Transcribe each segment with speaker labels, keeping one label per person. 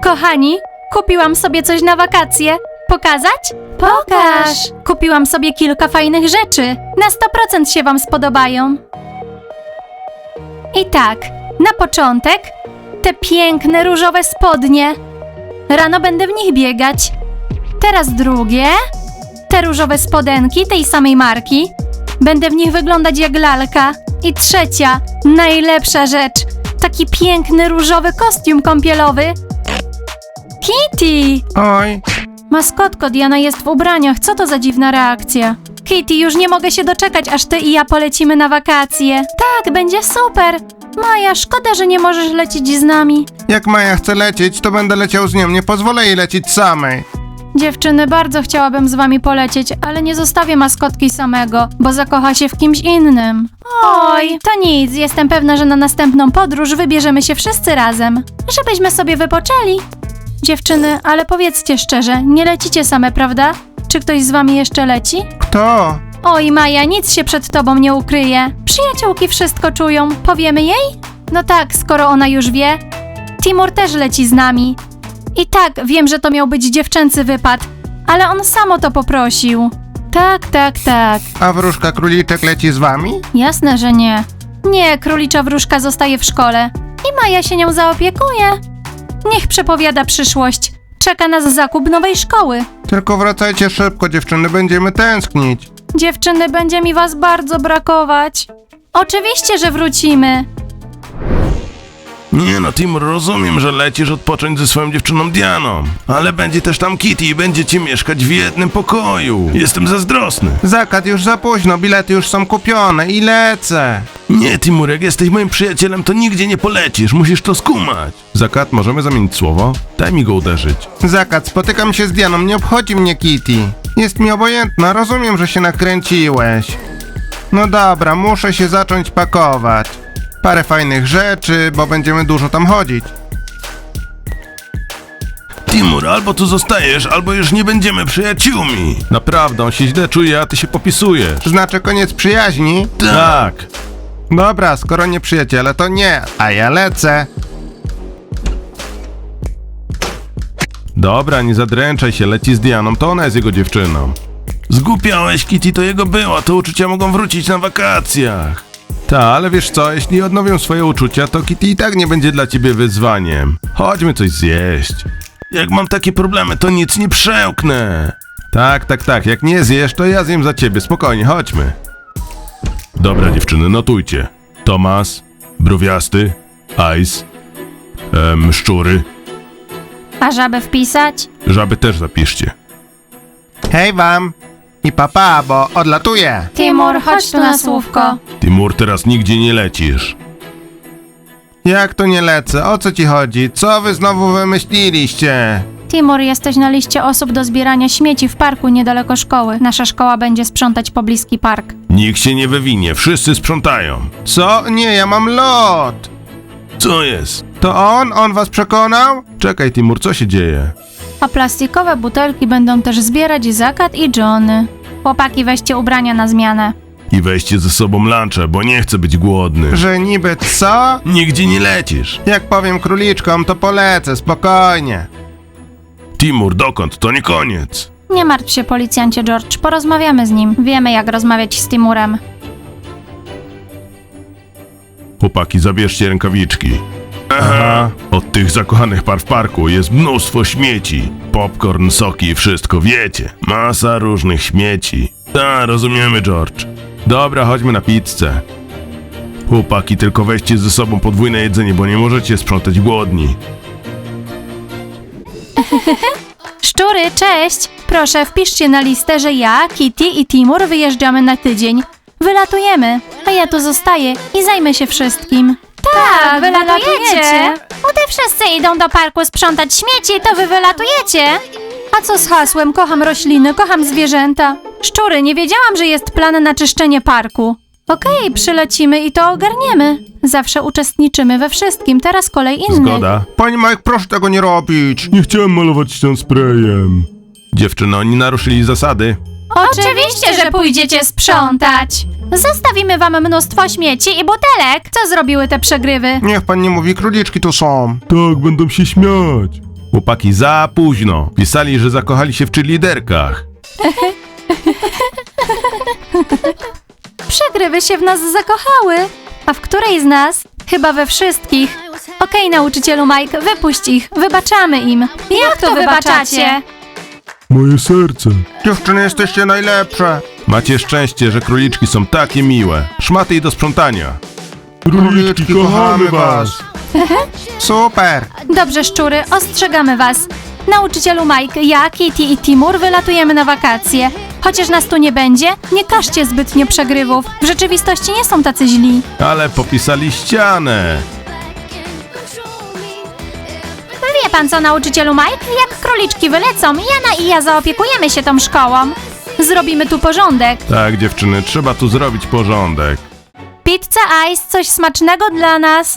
Speaker 1: Kochani, kupiłam sobie coś na wakacje. Pokazać? Pokaż! Kupiłam sobie kilka fajnych rzeczy. Na 100% się wam spodobają. I tak, na początek te piękne różowe spodnie. Rano będę w nich biegać. Teraz drugie. Te różowe spodenki tej samej marki. Będę w nich wyglądać jak lalka. I trzecia, najlepsza rzecz. Taki piękny różowy kostium kąpielowy. Kitty!
Speaker 2: Oj,
Speaker 1: Maskotko, Diana jest w ubraniach. Co to za dziwna reakcja? Kitty, już nie mogę się doczekać, aż ty i ja polecimy na wakacje. Tak, będzie super. Maja, szkoda, że nie możesz lecieć z nami.
Speaker 2: jak Maja chce lecieć, to będę leciał z nią. Nie pozwolę jej lecieć samej.
Speaker 1: Dziewczyny, bardzo chciałabym z wami polecieć, ale nie zostawię maskotki samego, bo zakocha się w kimś innym. Oj, to nic. Jestem pewna, że na następną podróż wybierzemy się wszyscy razem. Żebyśmy sobie wypoczęli. Dziewczyny, ale powiedzcie szczerze, nie lecicie same, prawda? Czy ktoś z wami jeszcze leci?
Speaker 2: Kto?
Speaker 1: Oj, Maja, nic się przed tobą nie ukryje. Przyjaciółki wszystko czują. Powiemy jej? No tak, skoro ona już wie. Timur też leci z nami. I tak, wiem, że to miał być dziewczęcy wypad, ale on sam o to poprosił. Tak.
Speaker 2: A wróżka króliczek leci z wami?
Speaker 1: Jasne, że nie. Nie, królicza wróżka zostaje w szkole. I Maja się nią zaopiekuje. Niech przepowiada przyszłość. Czeka nas zakup nowej szkoły.
Speaker 2: Tylko wracajcie szybko, dziewczyny, będziemy tęsknić.
Speaker 1: Dziewczyny, będzie mi was bardzo brakować. Oczywiście, że wrócimy.
Speaker 3: Nie no, Timur, rozumiem, że lecisz odpocząć ze swoją dziewczyną Dianą, ale będzie też tam Kitty i będziecie mieszkać w jednym pokoju. Jestem zazdrosny.
Speaker 2: Zakat, już za późno, bilety już są kupione i lecę.
Speaker 3: Nie, Timur, jak jesteś moim przyjacielem, to nigdzie nie polecisz, musisz to skumać.
Speaker 2: Zakat, możemy zamienić słowo?
Speaker 3: Daj mi go uderzyć.
Speaker 2: Zakat, spotykam się z Dianą, nie obchodzi mnie Kitty. Jest mi obojętna, rozumiem, że się nakręciłeś. No dobra, muszę się zacząć pakować. Parę fajnych rzeczy, bo będziemy dużo tam chodzić.
Speaker 3: Timur, albo tu zostajesz, albo już nie będziemy przyjaciółmi.
Speaker 2: Naprawdę, on się źle czuje, a ty się popisujesz. Znaczy koniec przyjaźni?
Speaker 3: Tak.
Speaker 2: Dobra, skoro nie przyjaciele, to nie, a ja lecę. Dobra, nie zadręczaj się, leci z Dianą, to ona jest jego dziewczyną.
Speaker 3: Zgłupiałeś, Kitty to jego była, to uczucia mogą wrócić na wakacjach.
Speaker 2: Ta, ale wiesz co, jeśli odnowią swoje uczucia, to Kitty i tak nie będzie dla ciebie wyzwaniem. Chodźmy coś zjeść.
Speaker 3: Jak mam takie problemy, to nic nie przełknę.
Speaker 2: Tak, jak nie zjesz, to ja zjem za ciebie, spokojnie, chodźmy.
Speaker 3: Dobra dziewczyny, notujcie. Tomas, Browiasty, Ice, Szczury,
Speaker 1: A żabę wpisać?
Speaker 3: żaby też zapiszcie.
Speaker 2: Hej wam! I papa, bo odlatuję.
Speaker 1: Timur, chodź tu na słówko.
Speaker 3: Timur, teraz nigdzie nie lecisz.
Speaker 2: Jak to nie lecę? O co ci chodzi? Co wy znowu wymyśliliście?
Speaker 1: Timur, jesteś na liście osób do zbierania śmieci w parku niedaleko szkoły. Nasza szkoła będzie sprzątać pobliski park.
Speaker 3: Nikt się nie wywinie, wszyscy sprzątają.
Speaker 2: Co? Nie, ja mam lot.
Speaker 3: Co jest?
Speaker 2: To on was przekonał? Czekaj, Timur, co się dzieje?
Speaker 1: A plastikowe butelki będą też zbierać Zakat i Johnny. Chłopaki, weźcie ubrania na zmianę.
Speaker 3: I weźcie ze sobą lunche, bo nie chcę być głodny.
Speaker 2: Że niby co?
Speaker 3: Nigdzie nie lecisz.
Speaker 2: Jak powiem króliczkom, to polecę, spokojnie.
Speaker 3: Timur, dokąd? To nie koniec.
Speaker 1: Nie martw się, policjancie George, porozmawiamy z nim. Wiemy, jak rozmawiać z Timurem.
Speaker 3: Chłopaki, zabierzcie rękawiczki. Aha. Od tych zakochanych par w parku jest mnóstwo śmieci. Popcorn, soki i wszystko, wiecie. Masa różnych śmieci. Ta, rozumiemy, George.
Speaker 2: Dobra, chodźmy na pizzę.
Speaker 3: Chłopaki, tylko weźcie ze sobą podwójne jedzenie, bo nie możecie sprzątać głodni.
Speaker 1: Szczury, cześć! Proszę, wpiszcie na listę, że ja, Kitty i Timur wyjeżdżamy na tydzień. Wylatujemy, a ja tu zostaję i zajmę się wszystkim. Tak, wylatujecie! Gdy wszyscy idą do parku sprzątać śmieci, to wy wylatujecie! A co z hasłem kocham rośliny, kocham zwierzęta? Szczury, nie wiedziałam, że jest plan na czyszczenie parku. Okej, przylecimy i to ogarniemy. Zawsze uczestniczymy we wszystkim, teraz kolej innych.
Speaker 2: Zgoda. Pani Mike, proszę tego nie robić.
Speaker 3: Nie chciałem malować ścian sprayem.
Speaker 2: Dziewczyny, oni naruszyli zasady.
Speaker 1: Oczywiście, że pójdziecie sprzątać. Zostawimy wam mnóstwo śmieci i butelek. Co zrobiły te przegrywy?
Speaker 2: Niech pan nie mówi, króliczki tu są.
Speaker 3: Tak, będą się śmiać. Chłopaki za późno. Pisali, że zakochali się w cheerleaderkach.
Speaker 1: Przegrywy się w nas zakochały. A w której z nas? Chyba we wszystkich. Okej, nauczycielu Mike, wypuść ich. Wybaczamy im. Jak to wybaczacie?
Speaker 3: Moje serce.
Speaker 2: Dziewczyny, jesteście najlepsze.
Speaker 3: Macie szczęście, że króliczki są takie miłe. Szmaty i do sprzątania.
Speaker 2: Króliczki, kochamy was. Super.
Speaker 1: Dobrze, szczury, ostrzegamy was. Nauczycielu Mike, ja, Kitty i Timur wylatujemy na wakacje. Chociaż nas tu nie będzie, nie każcie zbytnio przegrywów. W rzeczywistości nie są tacy źli.
Speaker 3: Ale popisali ścianę.
Speaker 1: Wie pan co, nauczycielu Mike? Jak króliczki wylecą, Jana i ja zaopiekujemy się tą szkołą. Zrobimy tu porządek.
Speaker 3: Tak, dziewczyny, trzeba tu zrobić porządek.
Speaker 1: Pizza Ice, coś smacznego dla nas.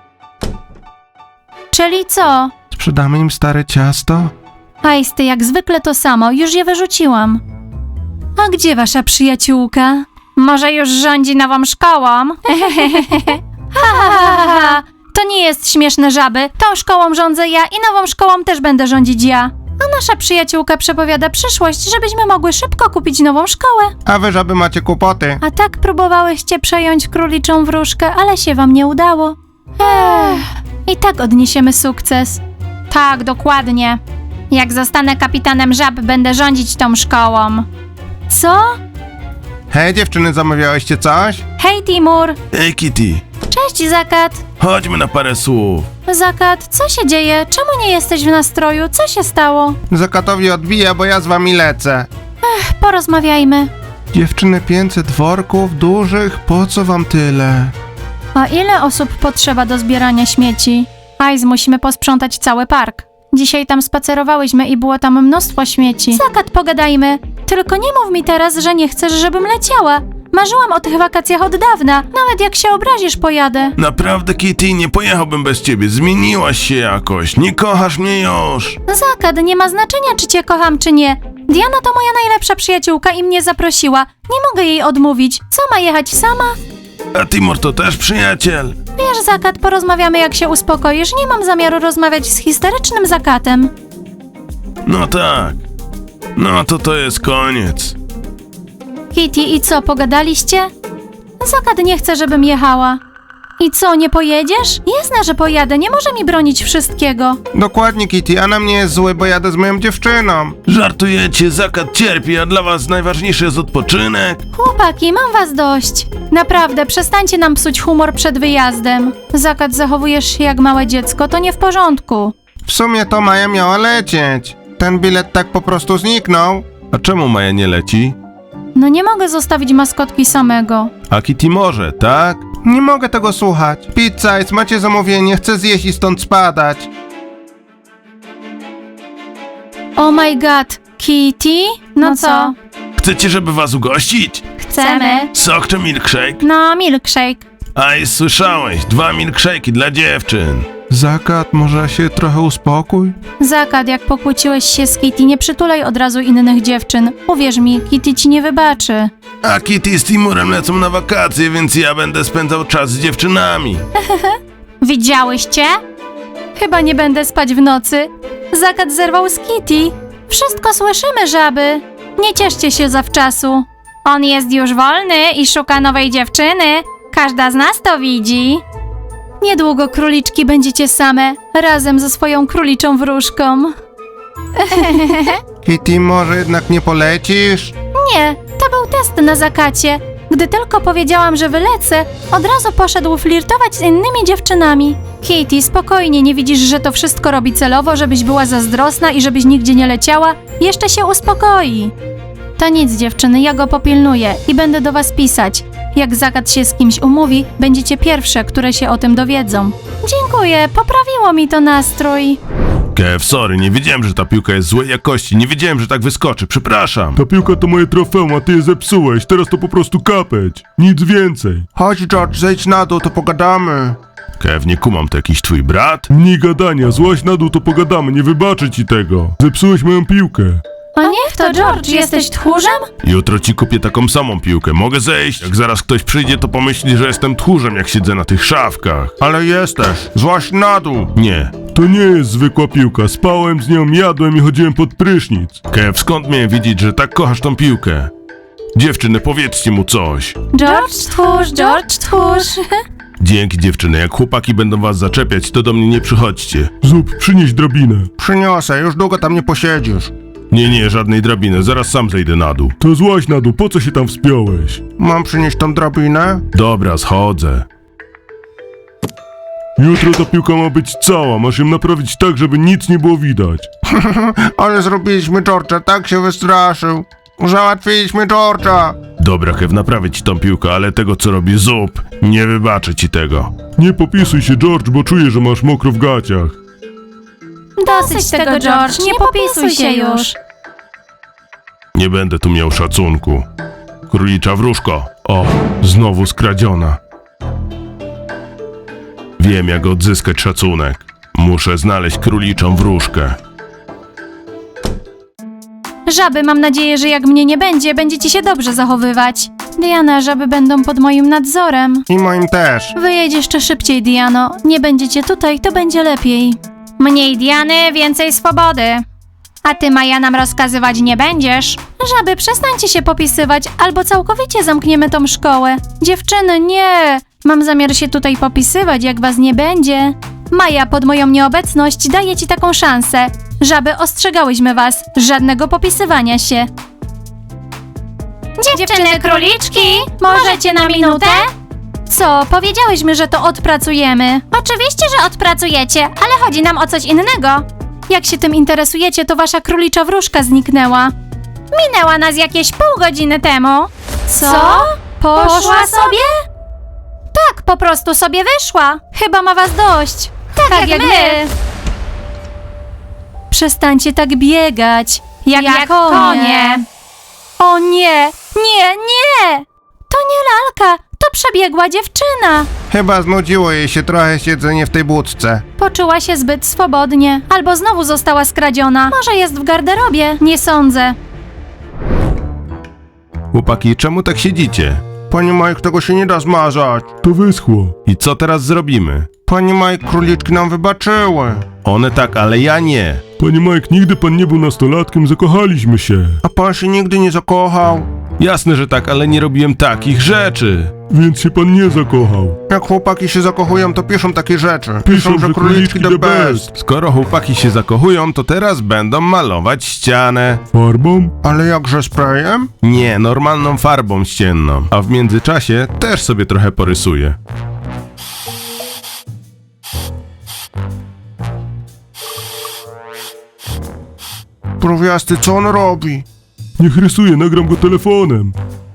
Speaker 1: Czyli co?
Speaker 2: Sprzedamy im stare ciasto?
Speaker 1: Ice, ty jak zwykle to samo, już je wyrzuciłam. A gdzie wasza przyjaciółka? Może już rządzi nową szkołą? Ha. To nie jest śmieszne, żaby. Tą szkołą rządzę ja i nową szkołą też będę rządzić ja. A nasza przyjaciółka przepowiada przyszłość, żebyśmy mogły szybko kupić nową szkołę.
Speaker 2: A wy, żaby, macie kłopoty.
Speaker 1: A tak próbowałyście przejąć króliczą wróżkę, ale się wam nie udało. I tak odniesiemy sukces. Tak, dokładnie. Jak zostanę kapitanem żab, będę rządzić tą szkołą. Co?
Speaker 2: Hej, dziewczyny, zamawiałyście coś?
Speaker 1: Hej, Timur.
Speaker 3: Ej, Kitty,
Speaker 1: Cześć, Zakat.
Speaker 3: chodźmy na parę słów.
Speaker 1: Zakat, co się dzieje? Czemu nie jesteś w nastroju? Co się stało?
Speaker 2: Zakatowi odbija, bo ja z wami lecę.
Speaker 1: Porozmawiajmy.
Speaker 2: Dziewczyny, 500 worków dużych, po co wam tyle?
Speaker 1: A ile osób potrzeba do zbierania śmieci? Ice, musimy posprzątać cały park. Dzisiaj tam spacerowałyśmy i było tam mnóstwo śmieci. Zakat, pogadajmy. Tylko nie mów mi teraz, że nie chcesz, żebym leciała. Marzyłam o tych wakacjach od dawna. Nawet jak się obrazisz, pojadę.
Speaker 3: Naprawdę, Kitty, nie pojechałbym bez ciebie. Zmieniłaś się jakoś. Nie kochasz mnie już.
Speaker 1: Zakat, nie ma znaczenia, czy cię kocham, czy nie. Diana to moja najlepsza przyjaciółka i mnie zaprosiła. Nie mogę jej odmówić. Co, ma jechać sama?
Speaker 3: A Timur to też przyjaciel.
Speaker 1: Wiesz, Zakat, porozmawiamy, jak się uspokoisz. Nie mam zamiaru rozmawiać z histerycznym Zakatem.
Speaker 3: No tak. No to jest koniec.
Speaker 1: Kitty, i co, pogadaliście? Zakat nie chce, żebym jechała. I co, nie pojedziesz? Jasne, że pojadę, nie może mi bronić wszystkiego.
Speaker 2: Dokładnie, Kitty, a na mnie jest zły, bo jadę z moją dziewczyną.
Speaker 3: Żartujecie, Zakat cierpi, a dla was najważniejszy jest odpoczynek.
Speaker 1: Chłopaki, mam was dość. Naprawdę, przestańcie nam psuć humor przed wyjazdem. Zakat, zachowujesz się jak małe dziecko, to nie w porządku.
Speaker 2: W sumie to Maja miała lecieć. Ten bilet tak po prostu zniknął.
Speaker 3: A czemu Maja nie leci?
Speaker 1: No nie mogę zostawić maskotki samego.
Speaker 3: A Kitty może, tak?
Speaker 2: Nie mogę tego słuchać. Pizza Ice, macie zamówienie, chcę zjeść i stąd spadać.
Speaker 1: Oh my god, Kitty? No co?
Speaker 3: Chcecie, żeby was ugościć?
Speaker 1: Chcemy.
Speaker 3: Sok czy milkshake?
Speaker 1: No, milkshake.
Speaker 3: Aj, słyszałeś, 2 milkshake'i dla dziewczyn.
Speaker 2: Zakat, może się trochę uspokój?
Speaker 1: Zakat, jak pokłóciłeś się z Kitty, nie przytulaj od razu innych dziewczyn. Uwierz mi, Kitty ci nie wybaczy.
Speaker 3: A Kitty z Timurem lecą na wakacje, więc ja będę spędzał czas z dziewczynami.
Speaker 1: Widziałyście? Chyba nie będę spać w nocy. Zakat zerwał z Kitty. Wszystko słyszymy, żaby. Nie cieszcie się zawczasu. On jest już wolny i szuka nowej dziewczyny. Każda z nas to widzi. Niedługo, króliczki, będziecie same, razem ze swoją króliczą wróżką.
Speaker 2: Kitty, może jednak nie polecisz?
Speaker 1: Nie, to był test na Zakacie. Gdy tylko powiedziałam, że wylecę, od razu poszedł flirtować z innymi dziewczynami. Kitty, spokojnie, nie widzisz, że to wszystko robi celowo, żebyś była zazdrosna i żebyś nigdzie nie leciała? Jeszcze się uspokoi. To nic, dziewczyny, ja go popilnuję i będę do was pisać. Jak Zakat się z kimś umówi, będziecie pierwsze, które się o tym dowiedzą. Dziękuję, poprawiło mi to nastrój.
Speaker 3: Kev, sorry, nie wiedziałem, że ta piłka jest złej jakości, nie wiedziałem, że tak wyskoczy, przepraszam.
Speaker 4: Ta piłka to moje trofeum, a ty je zepsułeś. Teraz to po prostu kapeć. Nic więcej.
Speaker 2: Chodź, George, zejdź na dół, to pogadamy.
Speaker 3: Kev, nie kumam, to jakiś twój brat?
Speaker 4: Mniej gadania, złaź na dół, to pogadamy, nie wybaczę ci tego. Zepsułeś moją piłkę.
Speaker 1: O niech to George, jesteś tchórzem?
Speaker 3: Jutro ci kupię taką samą piłkę. Mogę zejść? Jak zaraz ktoś przyjdzie, to pomyśli, że jestem tchórzem, jak siedzę na tych szafkach.
Speaker 2: Ale jesteś. Złaź na dół.
Speaker 3: Nie.
Speaker 4: To nie jest zwykła piłka. Spałem z nią, jadłem i chodziłem pod prysznic.
Speaker 3: Kev, skąd miałem wiedzieć, że tak kochasz tą piłkę? Dziewczyny, powiedzcie mu coś.
Speaker 1: George tchórz.
Speaker 3: Dzięki, dziewczyny. Jak chłopaki będą was zaczepiać, to do mnie nie przychodźcie.
Speaker 4: Zup, przynieś drabinę.
Speaker 2: Przyniosę, już długo tam nie posiedzisz.
Speaker 3: Nie, żadnej drabiny. Zaraz sam zejdę na dół.
Speaker 4: To złaź na dół, po co się tam wspiąłeś?
Speaker 2: Mam przynieść tą drabinę?
Speaker 3: Dobra, schodzę.
Speaker 4: Jutro ta piłka ma być cała, masz ją naprawić tak, żeby nic nie było widać.
Speaker 2: Ale zrobiliśmy George'a, tak się wystraszył. Załatwiliśmy George'a.
Speaker 3: Dobra, Kev, naprawię ci tą piłkę, ale tego, co robi Zup, nie wybaczę ci tego.
Speaker 4: Nie popisuj się, George, bo czuję, że masz mokro w gaciach.
Speaker 1: Dosyć tego, George, nie popisuj się już.
Speaker 3: Nie będę tu miał szacunku. Królicza wróżko. O, znowu skradziona. Wiem, jak odzyskać szacunek. Muszę znaleźć króliczą wróżkę.
Speaker 1: Żaby, mam nadzieję, że jak mnie nie będzie, będziecie się dobrze zachowywać. Diana, żaby będą pod moim nadzorem.
Speaker 2: I moim też.
Speaker 1: Wyjedź jeszcze szybciej, Diano. Nie będziecie tutaj, to będzie lepiej. Mniej Diany, więcej swobody. A ty, Maja, nam rozkazywać nie będziesz. Żaby, przestańcie się popisywać, albo całkowicie zamkniemy tą szkołę. Dziewczyny, nie. Mam zamiar się tutaj popisywać, jak was nie będzie. Maja, pod moją nieobecność daję ci taką szansę. Żaby, ostrzegałyśmy was. Żadnego popisywania się. Dziewczyny króliczki, możecie na minutę? Co? Powiedziałyśmy, że to odpracujemy. Oczywiście, że odpracujecie, ale chodzi nam o coś innego. Jak się tym interesujecie, to wasza królicza wróżka zniknęła. Minęła nas jakieś pół godziny temu. Co? Poszła sobie? Tak, po prostu sobie wyszła. Chyba ma was dość. Tak jak my. Przestańcie tak biegać. Jak konie. O nie, nie! To nie lalka, to przebiegła dziewczyna.
Speaker 2: Chyba znudziło jej się trochę siedzenie w tej budce.
Speaker 1: Poczuła się zbyt swobodnie. Albo znowu została skradziona. Może jest w garderobie, nie sądzę.
Speaker 3: Chłopaki, czemu tak siedzicie?
Speaker 2: Pani Mike, tego się nie da zmazać.
Speaker 4: To wyschło.
Speaker 3: I co teraz zrobimy?
Speaker 2: Pani Mike, króliczki nam wybaczyły.
Speaker 3: One tak, ale ja nie.
Speaker 4: Panie Mike, nigdy pan nie był nastolatkiem, zakochaliśmy się.
Speaker 2: A pan się nigdy nie zakochał.
Speaker 3: Jasne, że tak, ale nie robiłem takich rzeczy.
Speaker 4: Więc się pan nie zakochał.
Speaker 2: Jak chłopaki się zakochują, to piszą takie rzeczy.
Speaker 4: Piszą, że króliczki the best.
Speaker 3: Skoro chłopaki się zakochują, to teraz będą malować ścianę.
Speaker 4: Farbą?
Speaker 2: Ale jakże sprayem?
Speaker 3: Nie, normalną farbą ścienną. A w międzyczasie też sobie trochę porysuję.
Speaker 2: Prówiasty, co on robi?
Speaker 4: Niech rysuje, nagram go telefonem.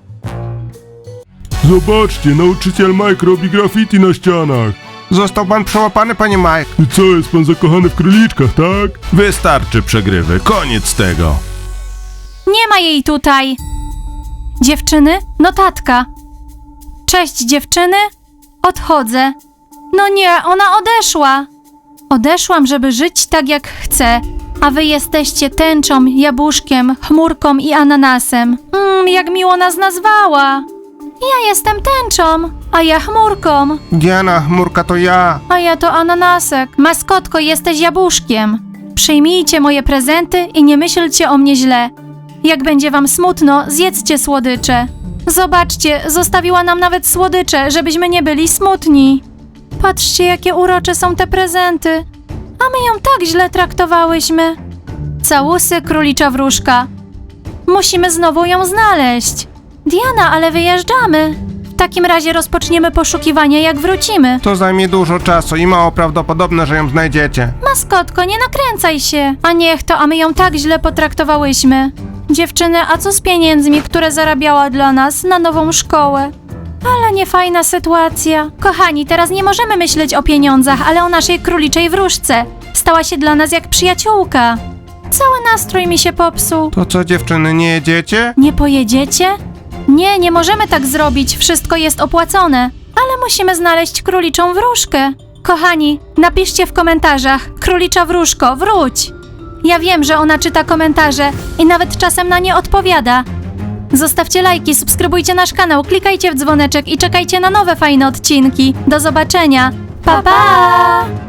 Speaker 4: Zobaczcie, nauczyciel Mike robi graffiti na ścianach.
Speaker 2: Został pan przełapany, panie Mike.
Speaker 4: I co, jest pan zakochany w króliczkach, tak?
Speaker 3: Wystarczy przegrywy, koniec tego.
Speaker 1: Nie ma jej tutaj. Dziewczyny, notatka. Cześć dziewczyny, odchodzę. No nie, ona odeszła. Odeszłam, żeby żyć tak jak chcę, a wy jesteście tęczą, jabłuszkiem, chmurką i ananasem. Jak miło nas nazwała. Ja jestem tęczą, a ja chmurką,
Speaker 2: Diana, chmurka to ja.
Speaker 1: a ja to ananasek. Maskotko, jesteś jabłuszkiem. Przyjmijcie moje prezenty i nie myślcie o mnie źle. Jak będzie wam smutno, zjedzcie słodycze. Zobaczcie, zostawiła nam nawet słodycze, żebyśmy nie byli smutni. Patrzcie, jakie urocze są te prezenty. A my ją tak źle traktowałyśmy. Całusy, królicza wróżka. Musimy znowu ją znaleźć. Diana, ale wyjeżdżamy. W takim razie rozpoczniemy poszukiwania, jak wrócimy.
Speaker 2: To zajmie dużo czasu i mało prawdopodobne, że ją znajdziecie.
Speaker 1: Maskotko, nie nakręcaj się. A niech to, a my ją tak źle potraktowałyśmy. Dziewczyny, a co z pieniędzmi, które zarabiała dla nas na nową szkołę? Ale niefajna sytuacja. Kochani, teraz nie możemy myśleć o pieniądzach, ale o naszej króliczej wróżce. Stała się dla nas jak przyjaciółka. Cały nastrój mi się popsuł.
Speaker 2: To co, dziewczyny, nie jedziecie?
Speaker 1: Nie pojedziecie? Nie, nie możemy tak zrobić, wszystko jest opłacone. Ale musimy znaleźć króliczą wróżkę. Kochani, napiszcie w komentarzach: królicza wróżko, wróć! Ja wiem, że ona czyta komentarze i nawet czasem na nie odpowiada. Zostawcie lajki, subskrybujcie nasz kanał, klikajcie w dzwoneczek i czekajcie na nowe fajne odcinki. Do zobaczenia. Pa, pa!